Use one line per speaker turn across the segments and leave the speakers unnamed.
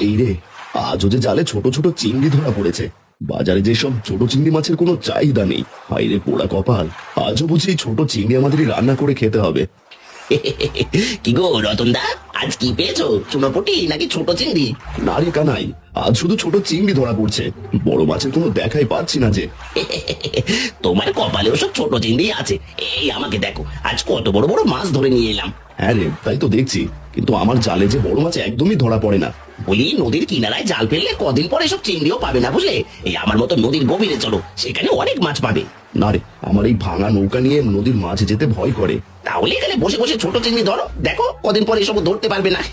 এই রে, আজও যে জালে ছোট ছোট চিংড়ি ধরা পড়েছে। বাজারে যেসব ছোট চিংড়ি মাছের কোনো চাহিদা নেই। হাই রে পোড়া কপাল, আজও বুঝি এই ছোট চিংড়ি আমাদেরই রান্না করে খেতে হবে।
কি গো রতনদা, আজ কি পেয়েছো? চুনোপুটি নাকি ছোট চিংড়ি?
না রে কানাই, আজ শুধু ছোট চিংড়ি ধরা পড়ছে, বড় মাছের কোনো দেখাই পাচ্ছি না যে।
তোমার কপালে ওসব ছোট চিংড়ি আছে। এই আমাকে দেখো, আজ কত বড় বড় মাছ ধরে নিয়ে এলাম।
হ্যাঁ রে, তাই তো দেখছি, কিন্তু আমার জালে যে বড় মাছ একদমই ধরা পড়ে না।
বলি, নদীর কিনারায় জাল ফেললে কদিন পরে সব চিংড়িও পাবে না, বুঝলে? এই আমার মতো নদীর গভীরে চলো, সেখানে অনেক মাছ পাবে।
না রে, আমার এই ভাঙা নৌকা নিয়ে নদীর মাঝে যেতে ভয় করে।
তাহলে এখানে বসে বসে ছোট চিংড়ি ধরো, দেখো কদিন পরে এসব ধরতে পারবে না।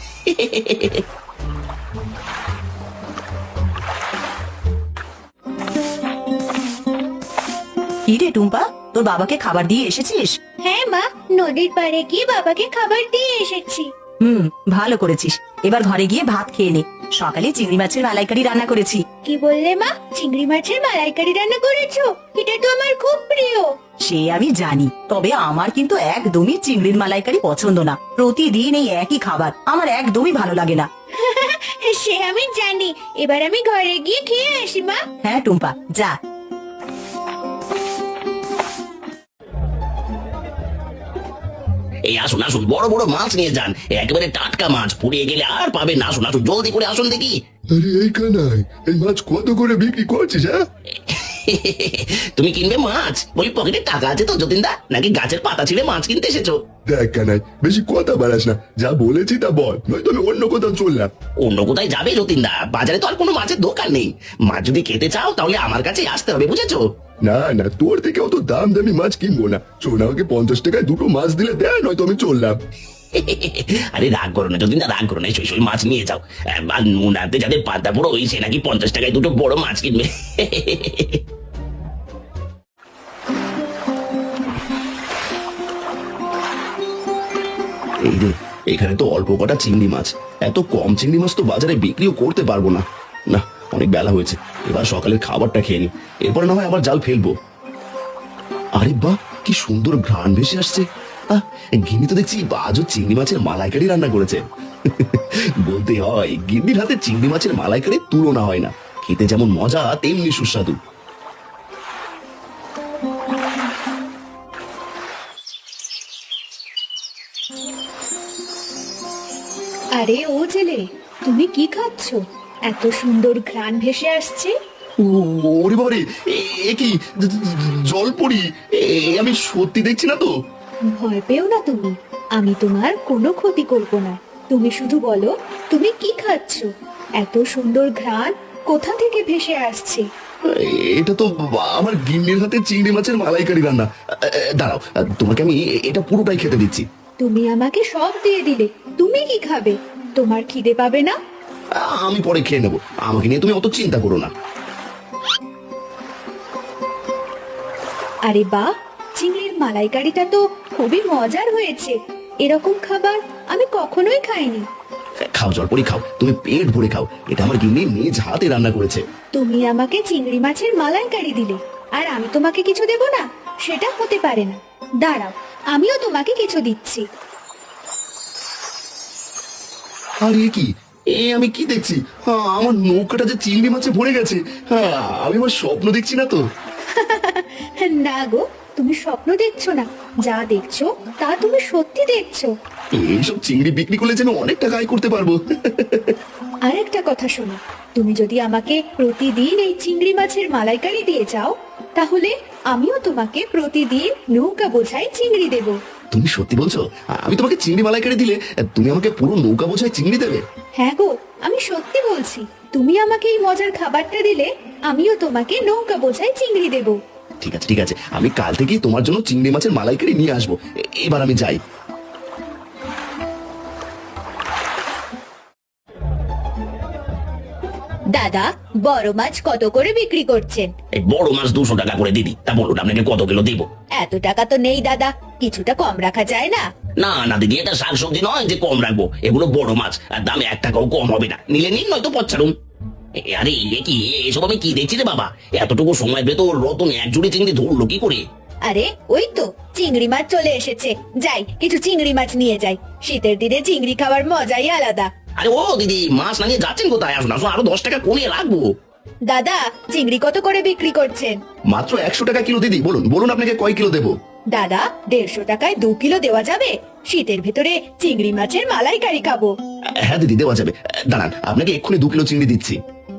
কি রে টুম্পা, তোর বাবাকে খাবার দিয়ে এসেছিস?
হ্যাঁ মা, নদীর পাড়ে গিয়ে বাবাকে খাবার দিয়ে এসেছি।
ভালো করেছিস। এবার ঘরে গিয়ে ভাত খেয়ে নে। সকালে চিংড়ি মাছের মালাইকারি রান্না করেছি।
কি বললে মা? চিংড়ি মাছের মালাইকারি রান্না করেছো? এটা তো আমার খুব প্রিয়।
সে আমি জানি, তবে আমার কিন্তু একদমই চিংড়ির মালাইকারি পছন্দ না। প্রতিদিন এই একই খাবার আমার একদমই ভালো লাগে না।
সে আমি জানি, এবার আমি ঘরে গিয়ে খেয়ে আসি মা।
হ্যাঁ টুম্পা, যা।
এই আসুন আসুন, বড় বড় মাছ নিয়ে যান, একেবারে টাটকা মাছ, পুড়িয়ে গেলে আর পাবেন না। আসুন আসুন, জলদি করে আসুন দেখি।
আরে এই কানাই, এই মাছ কত করে বিক্রি করছিস? হ্যাঁ,
তুমি কিনবে মাছ? বলি, পকেটে টাকা আছে তো যতীনদা, নাকি গাছের পাতা ছিঁড়ে মাছ কিনতে এসেছো?
দেখ কানাই, বেশি কথা বাড়াস না, যা বলেছি তা বল, নয়তো আমি অন্য কোথাও চললাম।
অন্য কোথায় যাবে যতীনদা? বাজারে তো আর কোনো মাছের দোকান নেই। মাছ যদি খেতে চাও তাহলে আমার কাছে আসতে হবে, বুঝেছো?
না না, তোর থেকে অত দাম দামি মাছ কিনবো না। শোন, আমাকে 50 টাকায় দুটো মাছ দিলে দেয়, নয়তো আমি চললাম।
আরে রাগ করো না যতীনদা, রাগ করো না, সই সই মাছ নিয়ে যাও। আর নুন আনতে যাদের পাতা বড় হয়েছে নাকি 50 টাকায় দুটো বড় মাছ কিনবে।
এই রে, এখানে তো অল্প কটা চিংড়ি মাছ, এত কম চিংড়ি মাছ তো বাজারে বিক্রিও করতে পারবো না। না, অনেক বেলা হয়েছে, এবার সকালের খাবারটা খেয়ে নি, এরপরে না হয় আবার জাল ফেলবো। আরে বাহ, কি সুন্দর ঘ্রাণ ভেসে আসছে। গিন্নি তো দেখছি আজও চিংড়ি মাছের মালাইকারি রান্না করেছে। বলতে হয়, গিন্নির হাতে চিংড়ি মাছের মালাইকারির তুলনা হয় না। খেতে যেমন মজা, তেমনি সুস্বাদু।
আরে ও ছেলে, তুমি কি খাচ্ছো? এত সুন্দর ঘ্রাণ ভেসে আসছে।
ওরে বাবারে, এ কি জল পড়ি? আমি সত্যি দেখছি না তো?
ভয় পেও না তুমি, আমি তোমার কোনো ক্ষতি করব না। তুমি শুধু বলো তুমি কি খাচ্ছো। এত সুন্দর ঘ্রাণ কোথা থেকে ভেসে আসছে?
এটা তো আমার গিন্নির হাতে চিংড়ি মাছের মালাইকারি রান্না। দাঁড়াও, তোমাকে আমি এটা পুরোটাই খেতে দিচ্ছি।
তুমি আমাকে সব দিয়ে দিলে, তুমি কি খাবে? তোমার খিদে পাবে না?
আমি পরে খেয়ে নেবো, আমাকে নিয়ে তুমি অত চিন্তা করো না।
আরে বাহ, চিংড়ির মালাইকারিটা তো খুবই মজার হয়েছে। এরকম খাবার আমি কখনোই খাইনি।
খাও জলপরি, খাও, তুমি পেট ভরে খাও, এটা আমার গিন্নি নিজ হাতে রান্না করেছে।
তুমি আমাকে চিংড়ি মাছের মালাইকারি দিলে, আর আমি তোমাকে কিছু দেব না? সেটা হতে পারে না। দাঁড়াও, আমিও তোমাকে কিছু দিচ্ছি।
আরে কি, আমি কি দেখছি? আমার নৌকাটা যে চিংড়ি মাছে ভরে গেছে। আমি আমার স্বপ্ন দেখছি না তো?
না গো, তুমি স্বপ্ন দেখছো না, যা দেখছো তা তুমি সত্যি দেখছো।
এইসব চিংড়ি বিক্রি করলে যেন অনেক টাকা আয় করতে পারবো।
আরেকটা কথা শোনো, তুমি যদি আমাকে প্রতিদিন এই চিংড়ি মাছের মালাইকারি দিয়ে যাও, তাহলে আমিও তোমাকে প্রতিদিন নৌকা বোঝাই চিংড়ি দেব।
তুমি সত্যি বলছো? আমি তোমাকে চিংড়ি মালাইকারি দিলে তুমি আমাকে পুরো নৌকা বোঝায় চিংড়ি দেবে?
হ্যাঁ গো, আমি সত্যি বলছি। তুমি আমাকে এই মজার খাবারটা দিলে, আমিও তোমাকে নৌকা বোঝাই চিংড়ি দেব।
ঠিক আছে ঠিক আছে, আমি কাল থেকেই তোমার জন্য চিংড়ি মাছের মালাইকারি নিয়ে আসবো। এবার আমি যাই।
দাদা, বড় মাছ কত করে বিক্রি করছেন?
এই বড় মাছ 200 টাকা করে দিদি। তা বলুন আপনাকে কত কিলো দিব?
এত টাকা তো নেই দাদা, কিছুটা কম রাখা যায় না?
না না দিদি, এটা শাকসবজি নয় যে কম রাখবো, এগুলো বড় মাছ, আর দামে 1 টাকাও কম হবে না। নিলে নিন, নয়তো পচ্ছাড়ুন। আরে এ কি, এসব আমি কি দেখছি রে বাবা? এতটুকু সময় পেতো রতন এক জুড়ি চিংড়ি ধরলো কি করে?
আরে ওই তো চিংড়ি মাছ চলে এসেছে, যাই কিছু চিংড়ি মাছ নিয়ে যাই। শীতের দিনে চিংড়ি খাওয়ার মজাই আলাদা।
আরে ও দিদি, মাছ না নিয়ে যাচ্ছেন কোথায়? আসুন আসুন, আরো 10 টাকা কমিয়ে রাখবো।
দাদা, চিংড়ি কত করে বিক্রি করছেন?
মাত্র 100 টাকা কিলো দিদি। বলুন বলুন আপনাকে কয় কিলো দেবো?
দাদা, 150 টাকায় 2 কিলো দেওয়া যাবে? শীতের ভেতরে চিংড়ি মাছের মালাইকারি খাবো।
হ্যাঁ দিদি, দেওয়া যাবে। দাঁড়ান, আপনাকে এক্ষুনি 2 কিলো চিংড়ি দিচ্ছি।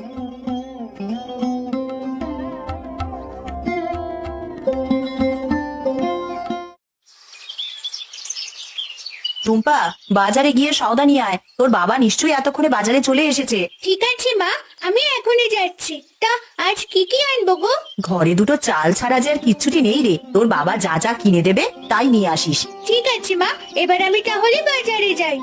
টুম্পা, বাজারে গিয়ে সওদা নিয়ে আয়। তোর বাবা নিশ্চয়ই এতক্ষণে বাজারে চলে এসেছে।
ঠিক আছে মা, আমি এখনই যাচ্ছি। তা আজ কি কি আনবো গো?
ঘরে দুটো চাল ছাড়া যে আর কিচ্ছুটি নেই রে। তোর বাবা যা যা কিনে দেবে তাই নিয়ে আসিস।
ঠিক আছে মা, এবার আমি তাহলে বাজারে যাই।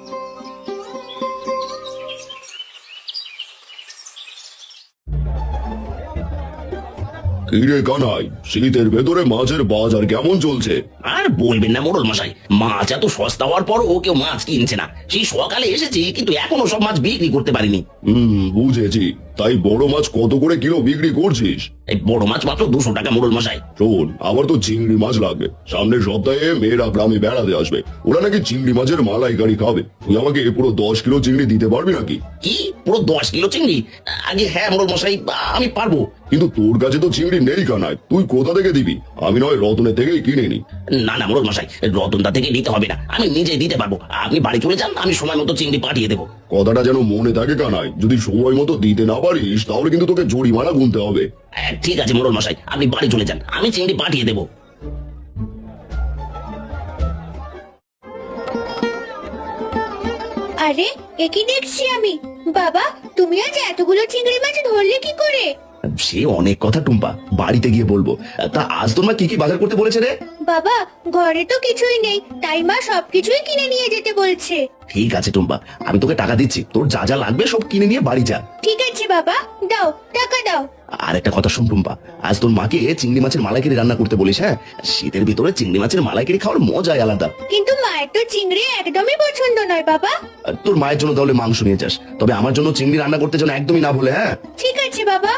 কি রে কানাই, শীতের ভেতরে মাছের বাজার কেমন চলছে?
আর বলবেন না মোড়ল মশাই, মাছ এত সস্তা হওয়ার পরও কেউ মাছ কিনছে না। সেই সকালে এসেছি, কিন্তু এখনো সব মাছ বিক্রি করতে পারিনি।
বুঝেছি। তাই বড় মাছ কত করে কিলো বিক্রি করছিস?
এই বড় মাছ মাত্র 200 টাকা মোড়ল মশাই।
শোন, আমার তো চিংড়ি মাছ লাগবে। সামনের সপ্তাহে মেয়েরা গ্রামে বেড়াতে আসবে, ওরা নাকি চিংড়ি মাছের মালাইকারি খাবে। তুই আমাকে পুরো 10 কিলো চিংড়ি দিতে পারবি নাকি?
কি পুরো 10 কিলো চিংড়ি? আগে হ্যাঁ মোড়ল মশাই, আমি পারবো।
কিন্তু তোর কাছে তো চিংড়ি নেই কানাই, তুই কোথা থেকে দিবি? আমি নয় রতনের থেকেই কিনে নি।
না না মোড়ল মশাই, রতনদা থেকে নিতে হবে না, আমি নিজে দিতে পারবো। আপনি বাড়ি চলে যান, আমি সময় মতো চিংড়ি পাঠিয়ে দেবো।
কথাটা যেন মনে থাকে কানাই, যদি সময় মতো দিতে না পারিস তাহলে কিন্তু তোকে জরিমানা গুনতে হবে।
ঠিক আছে মোড়ল মশাই, আপনি বাড়ি চলে যান, আমি চিংড়ি পাঠিয়ে দেবো।
আরে, এ কি দেখছি আমি? বাবা, তুমি আজ এতগুলো চিংড়ি মাছ ধরলে কি করে?
সে অনেক কথা টুম্পা, বাড়িতে গিয়ে বলবো। তা আজ তোর মা কি কি বাজার করতে বলেছে রে?
বাবা, ঘরে তো কিছুই নেই, তাই মা সবকিছুই কিনে নিয়ে যেতে বলছে।
ঠিক আছে টুম্পা, আমি তোকে টাকা দিচ্ছি, তোর যা যা লাগবে সব কিনে নিয়ে বাড়ি যা।
ঠিক আছে বাবা, দাও টাকা দাও।
আর একটা কথা শুন টুম্পা, আজ তোর মাকে চিংড়ি মাছের মালাইকারি রান্না করতে বলিস। হ্যাঁ, শীতের ভিতরে চিংড়ি মাছের মালাইকারি খাওয়ার মজাই আলাদা।
কিন্তু মায়ের তো চিংড়ি একদমই পছন্দ নয় বাবা।
তোর মায়ের জন্য তাহলে মাংস নিয়ে যাস, তবে আমার জন্য চিংড়ি রান্না করতে যেন একদমই না বলে। হ্যাঁ
ঠিক আছে বাবা।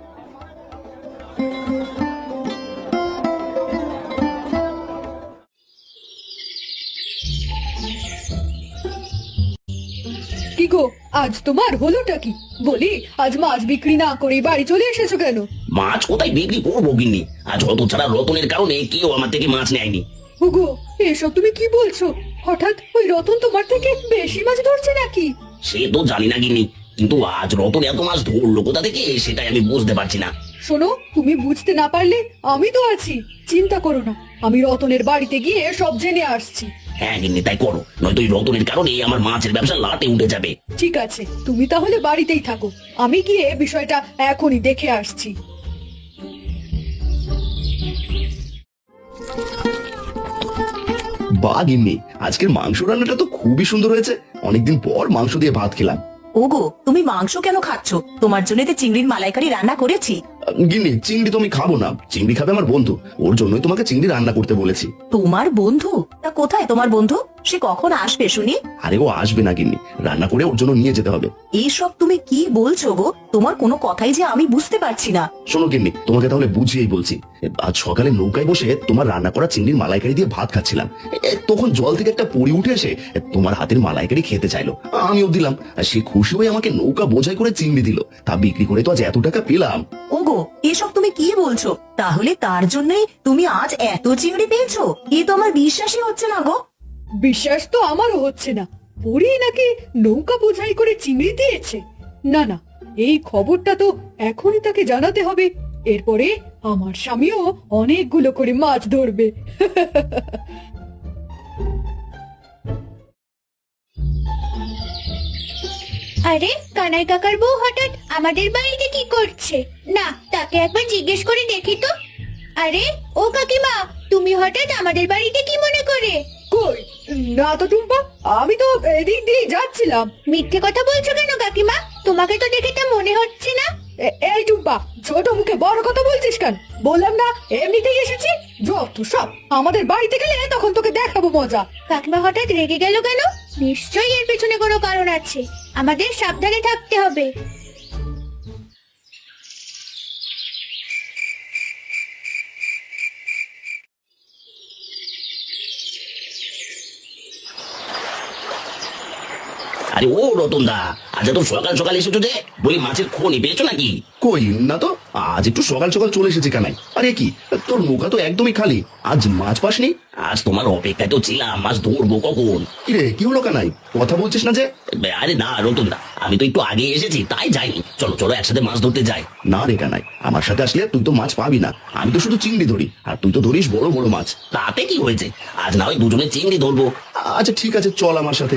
কি গো, আজ তোমার হলোটা কি? বলি, আজ মাছ বিক্রি না করে বাড়ি চলে এসেছো কেন?
মাছ কোথায় বিক্রি করবো গিন্নি? আজ হত ছাড়া রতনের কারণে কেউ আমার থেকে মাছ নেয়নি।
ওগো, এসব তুমি কি বলছো? হঠাৎ ওই রতন তোমার থেকে বেশি মাছ ধরছে নাকি?
সে তো জানি না গিন্নি, কিন্তু আজ রতন এত মাছ ধরলো কোথা থেকে সেটাই আমি বুঝতে পারছি না।
শোনো, তুমি বুঝতে না পারলে আমি তো আছি, চিন্তা করো না। আমি রতনের বাড়িতে গিয়ে সব জেনে আসছি।
হ্যাঁ গিন্নি, তাই করো, নয়তো এই রতনের কারণে আমার মাছের ব্যবসা লাটে উঠে যাবে।
ঠিক আছে, তুমি তাহলে বাড়িতেই থাকো, আমি গিয়ে বিষয়টা এখনই দেখে আসছি।
বা গিন্নি, আজকের মাংস রান্নাটা তো খুবই সুন্দর হয়েছে। অনেকদিন পর মাংস দিয়ে ভাত খেলাম।
ওগো, তুমি মাংস কেন খাচ্ছ? তোমার জন্য তো চিংড়ির মালাইকারি রান্না করেছি।
গিন্নি, চিংড়ি তো আমি খাবো না, চিংড়ি খাবে আমার বন্ধু, ওর জন্যই তোমাকে চিংড়ি রান্না করতে বলেছি।
তোমার বন্ধু? তা কোথায় তোমার বন্ধু? সে কখন আসবে শুনি?
আরে ও আসবে না গিন্নি, রান্না করে ওর জন্য নিয়ে যেতে হবে।
এইসব তুমি কি বলছো গো? তোমার কোনো কথাই যে আমি বুঝতে পারছি না।
শোনো গিন্নি, তোমাকে তাহলে বুঝিয়েই বলছি। আজ সকালে নৌকায় বসে তোমার রান্না করা চিংড়ির মালাইকারি দিয়ে ভাত খাচ্ছিলাম। তখন জল থেকে একটা পরি উঠে এসে তোমার হাতের মালাইকারি খেতে চাইলো, আমিও দিলাম। আর সে খুশি হয়ে আমাকে নৌকা বোঝাই করে চিংড়ি দিল। তা বিক্রি করে তো আজ এত টাকা পেলাম।
ওগো, এসব তুমি কি বলছো? তাহলে তার জন্যই তুমি আজ এত চিংড়ি পেয়েছো? এ তো আমার বিশ্বাসই হচ্ছে না গো।
বিশ্বাস তো আমারও হচ্ছে না। পরি নাকি নৌকা বোঝাই করে চিংড়ি দিয়েছে? না না, এই খবরটা তো এখনই তাকে জানাতে হবে। এরপরে আমার স্বামীও অনেকগুলো করে মাছ ধরবে।
আরে, কানাই কাকার বউ হঠাৎ আমাদের বাড়িতে কি করছে? না, তাকে একবার জিজ্ঞেস করে দেখি তো। আরে ও কাকিমা, তুমি হঠাৎ আমাদের বাড়িতে কি মনে করে?
কই, না তো টুম্পা, আমি তো এদিক দিয়ে যাচ্ছিলাম।
মিথ্যে কথা বলছো কেন কাকিমা? তোমাকে তো দেখে তা মনে হচ্ছে না।
এই টুম্পা, ছোট মুখে বড় কথা বলছিস কেন? বললাম না এমনিতেই এসেছি। যত সব, আমাদের বাড়িতে গেলে তখন তোকে দেখাবো মজা।
কাকিমা হঠাৎ রেগে গেল কেন? নিশ্চয়ই এর পেছনে কোনো কারণ আছে, আমাদের সাবধানে থাকতে হবে।
আরে ও রতন দা, আজ তো সকাল সকাল এসেছো যে, বলি মাছের খনি পেয়েছো নাকি?
কই না তো, আজ একটু সকাল সকাল চলে এসেছে কানাই। আরে কি, তোর নৌকা তো একদমই খালি, আজ মাছ পাসনি?
আজ তোমার অপেক্ষায় তো ছিলাম, মাছ ধরবো কখন।
কিরে কি হলো কানাই, কথা বলছিস না যে?
আরে না রতন দা, আমি তো একটু আগে এসেছি তাই যাইনি। চলো চলো একসাথে মাছ ধরতে যাই।
না রে কানাই, আমার সাথে আসলে তুই তো মাছ পাবি না, আমি তো শুধু চিংড়ি ধরি, আর তুই তো ধরিস বড় বড় মাছ।
তাতে কি হয়েছে, আজ না হয় দুজনে চিংড়ি ধরবো।
আচ্ছা ঠিক আছে, চল আমার সাথে।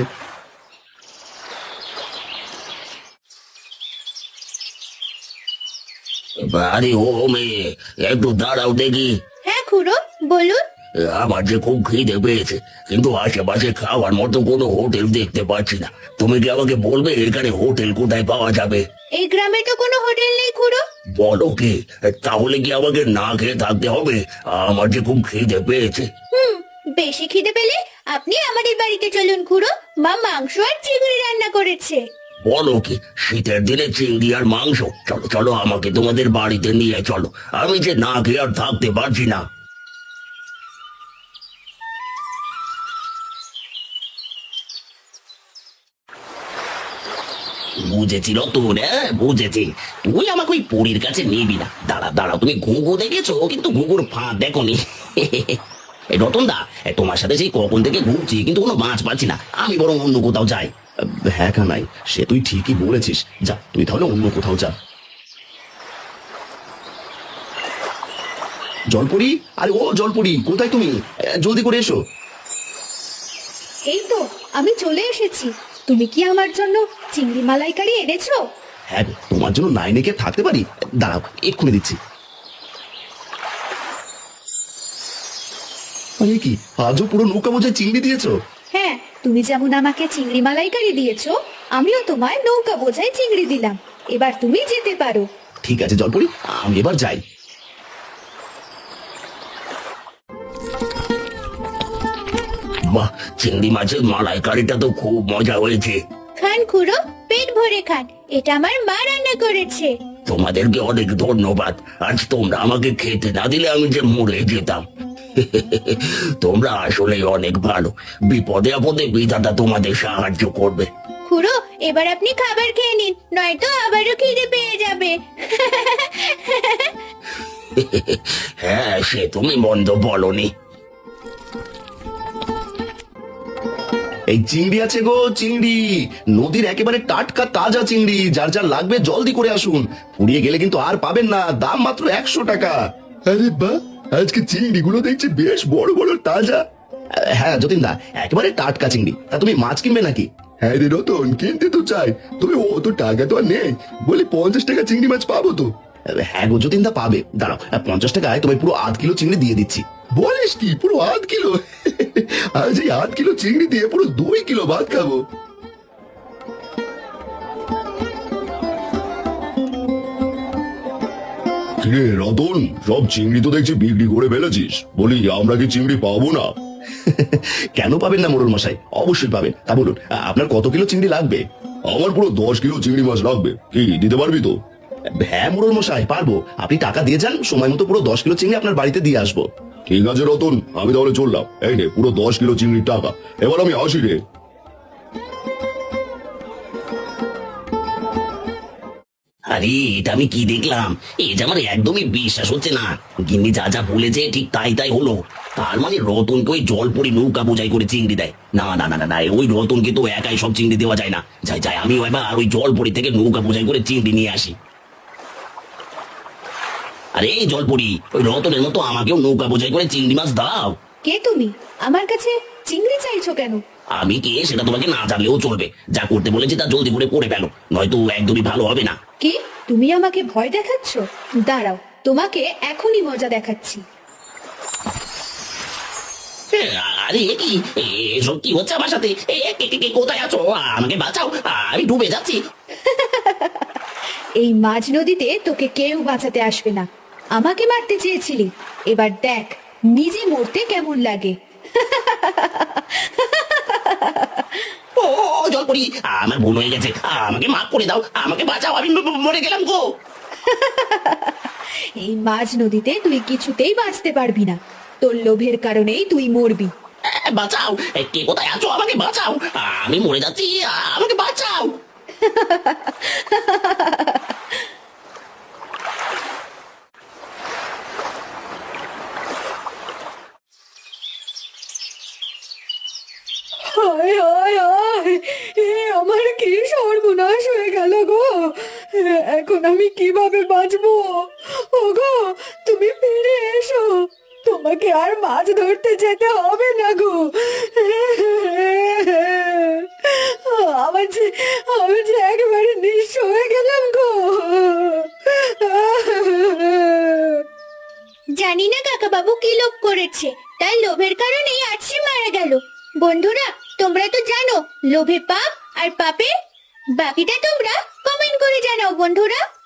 আরে ও মেয়ে, একটু দাঁড়াও দেখি।
হ্যাঁ খুড়ো, বলুন।
আমার যে খুব খিদে পেয়েছে, কিন্তু আশেপাশে খাওয়ার মতো কোনো হোটেল দেখতে পাচ্ছি না। তুমি কি আমাকে বলবে এখানে হোটেল কোথায় পাওয়া যাবে?
এই গ্রামে তো কোনো হোটেল নেই খুড়ো।
বলো কি, তাহলে কি আমাকে না খেয়ে থাকতে হবে? আমার যে খুব খিদে পেয়েছে।
বেশি খিদে পেলে আপনি আমাদের বাড়িতে চলুন খুড়ো, মা মাংস আর চিংড়ি রান্না করেছে।
বলো কি, শীতের দিনে চিংড়ি আর মাংস? চলো চলো, আমাকে তোমাদের বাড়িতে নিয়ে চলো, আমি যে না খেয়ে আর থাকতে পারছি না। বুঝেছি রতন, হ্যাঁ বুঝেছি, তুই আমাকে ওই পরীর কাছে নিবি না। দাঁড়া দাঁড়া, তুমি ঘুঘু দেখেছো কিন্তু ঘুঘুর ফাঁদ দেখোনি। এই রতন দা, তোমার সাথে সেই কখন থেকে ঘুরছি কিন্তু কোনো মাছ পাচ্ছি না, আমি বরং অন্য কোথাও যাই।
হ্যাঁ কানাই, সে তুই ঠিকই বলেছিস, যা তুই তাহলে অন্য কোথাও যা। জলপরি, আরে ও জলপরি, কোথায় তুমি? জলদি করে এসো।
এই তো আমি চলে এসেছি। তুমি কি আমার জন্য চিংড়ি মালাইকারি এনেছো?
হ্যাঁ গো, তোমার জন্য নাইনে কে থাকতে পারি? দাঁড়াও, এক্ষুনি দিচ্ছি। আরে কি, আজও পুরো নৌকা বোঝায় চিংড়ি দিয়েছো?
হ্যাঁ, তুমি যেমন আমাকে চিংড়ি মালাইকারি দিয়েছো, আমিও তোমায় নৌকা বোঝাই চিংড়ি দিলাম। এবার তুমি যেতে পারো।
ঠিক আছে জলপরি, আমি এবার যাই।
বাহ, চিংড়ি মাছের মালাইকারিটা তো খুব মজা হয়েছে।
খান খুড়ো, পেট ভরে খান, এটা আমার মা রান্না করেছে।
তোমাদেরকে অনেক ধন্যবাদ, আজ তোমরা আমাকে খেতে না দিলে আমি যে মরে যেতাম। তোমরা আসলে অনেক ভালো, বিপদে আপদে বিধাতা তোমাদের সাহায্য করবে।
খুড়ো, এবার আপনি খাবার খেয়ে নিন, নয়তো আবারও খিদে পেয়ে যাবে।
হ্যাঁ, সে তুমি মন্দ বলনি।
এই চিংড়ি আছে গো, চিংড়ি, নদীর একেবারে টাটকা তাজা চিংড়ি, যার যার লাগবে জলদি করে আসুন, ফুরিয়ে গেলে কিন্তু আর পাবেন না, দাম মাত্র 100 টাকা। আরে বাহ, আজকে চিংড়িগুলো দেখছি বেশ বড় বড় তাজা। হ্যাঁ যতীন দা, একেবারে টাটকা চিংড়ি। তা তুমি মাছ কিনবে নাকি? হ্যাঁ রে রতন, কিনতে তো চাই, তবে অত টাকা তো আর নেই, বলি 50 টাকা চিংড়ি মাছ পাবো তো? হ্যাঁ গো যতীন দা, পাবে, দাঁড়াও, 50 টাকায় তোমায় পুরো 8 কিলো চিংড়ি দিয়ে দিচ্ছি। বলিস কি, পুরো 8 কিলো? আজ এই 8 কিলো চিংড়ি দিয়ে পুরো 2 কিলো ভাত খাবো। কিরে রতন, সব চিংড়ি তো দেখছি বিক্রি করে ফেলেছিস, বলি আমরা কি চিংড়ি পাবো না? কেন পাবেন না মোড়ল মশাই, অবশ্যই পাবেন। তা বলুন, আপনার কত কিলো চিংড়ি লাগবে? আমার পুরো 10 কিলো চিংড়ি মাছ লাগবে, কি দিতে পারবি তো? হ্যাঁ মোড়ল মশাই, পারবো, আপনি টাকা দিয়ে যান, সময় মতো পুরো 10 কিলো চিংড়ি আপনার বাড়িতে দিয়ে আসবো। ঠিক আছে রতন, আমি তাহলে চললাম, এই নে পুরো 10 কিলো চিংড়ির টাকা, এবার আমি আসি রে।
আরে এটা আমি কি দেখলাম, এই যে আমার একদমই বিশ্বাস হচ্ছে না। গিন্নি যা যা বলেছে ঠিক তাই তাই হলো। তার মানে রতনকে ওই জলপরি নৌকা বোঝাই করে চিংড়ি দেয়? না না না না না, ওই রতনকে তো একাই সব চিংড়ি দেওয়া যায় না। যাই যাই, আমিও এবার ওই জলপরি থেকে নৌকা বোঝাই করে চিংড়ি নিয়ে আসি। আরে এই জলপরি, ওই রতনের মতো আমাকেও নৌকা বোঝাই করে চিংড়ি মাছ দাও।
কে তুমি? আমার কাছে চিংড়ি চাইছো কেন?
আমি কে সেটা তোমাকে না জানলেও চলবে, যা করতে বলেছি তা জলদি করে করে ফেলো, নয়তো একদমই ভালো হবে না।
কি, তুমি আমাকে ভয় দেখাচ্ছ? দাঁড়াও, তোমাকে এখনই মজা দেখাচ্ছি।
আরে এ কি, এসব কি হচ্ছে আমার সাথে? কোথায় আছো? আমাকে বাঁচাও, আমি ডুবে যাচ্ছি।
এই মাঝ নদীতে তোকে কেউ বাঁচাতে আসবে না। আমাকে মারতে চেয়েছিলি, এবার দেখ নিজে মরতে কেমন লাগে।
ও জলপরি, আমার ভুল হয়ে গেছে, আমাকে মাফ করে দাও, আমাকে বাঁচাও, আমি মরে গেলাম গো।
এই মাঝ নদীতে তুই কিছুতেই বাঁচতে পারবি না, তোর লোভের কারণেই তুই মরবি।
বাঁচাও, কে কোথায় আছো? আমাকে বাঁচাও, আমি মরে যাচ্ছি, আমাকে বাঁচাও।
হায় হায় হায়, আমার কি সর্বনাশ হয়ে গেল গো। এখন আমি কিভাবে বাঁচবো? ওগো, তুমি ফিরে এসো, তোমাকে আর মাছ ধরতে যেতে হবে না গো। আমি যে একেবারে নিঃস্ব হয়ে গেলাম গো।
জানি না কাকা বাবু কি লোভ করেছে, তাই লোভের কারণেই আজ সে মারা গেল। বন্ধুরা, তোমরা তো জানো লোভে পাপ আর পাপে, বাকিটা তোমরা কমেন্ট করে জানাও বন্ধুরা।